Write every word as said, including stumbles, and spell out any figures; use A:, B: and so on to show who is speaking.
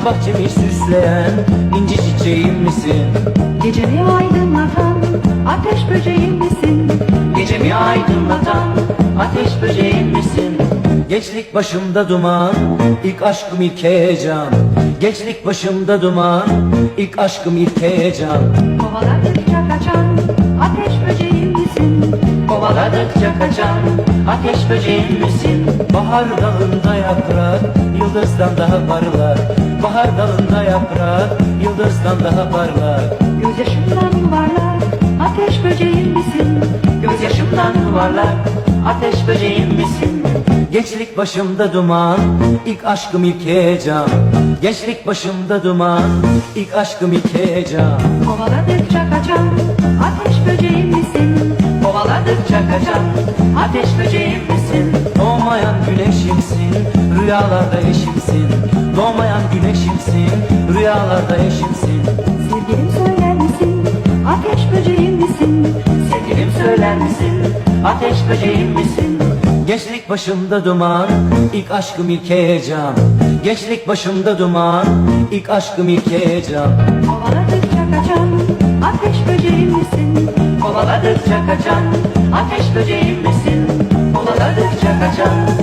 A: bahçemi süsleyen inci çiçeğim misin?
B: Gecemi aydınlatan ateş böceğim misin?
A: Gecemi aydınlatan ateş böceğim misin? Gençlik başımda duman, ilk aşkım ilk heyecan. Gençlik başımda duman, ilk aşkım ilk heyecan.
B: Kovaladıkça kaçan ateş böceğim misin?
A: Kovaladıkça kaçan ateş böceğim misin? Bahar dalında yaprak yıldızdan daha parlak. Bahar dalında yaprak yıldızdan daha parlak.
B: Gözyaşımdan yuvarlak ateş böceğim misin?
A: Gözyaşımdan yuvarlak ateş böceğim misin? Gençlik başımda duman, ilk aşkım ilk heyecan. Gençlik başımda duman, ilk aşkım ilk heyecan.
B: Kovaladıkça kaçan ateş böceğim misin?
A: Kovaladıkça kaçan ateş böceğim misin? Doğmayan güneşimsin, rüyalarda eşimsin. Doğmayan güneşimsin, rüyalarda eşimsin.
B: Sevgilim söyler misin? Ateş böceğim misin?
A: Sevgilim söyler misin? Ateş böceğim misin? Gençlik başımda duman, ilk aşkım ilk heyecan. Gençlik başımda duman, ilk aşkım ilk heyecan.
B: Kovaladıkça kaçan ateş böceğim misin?
A: Kovaladıkça kaçan ateş böceğim misin? Kovaladıkça kaçan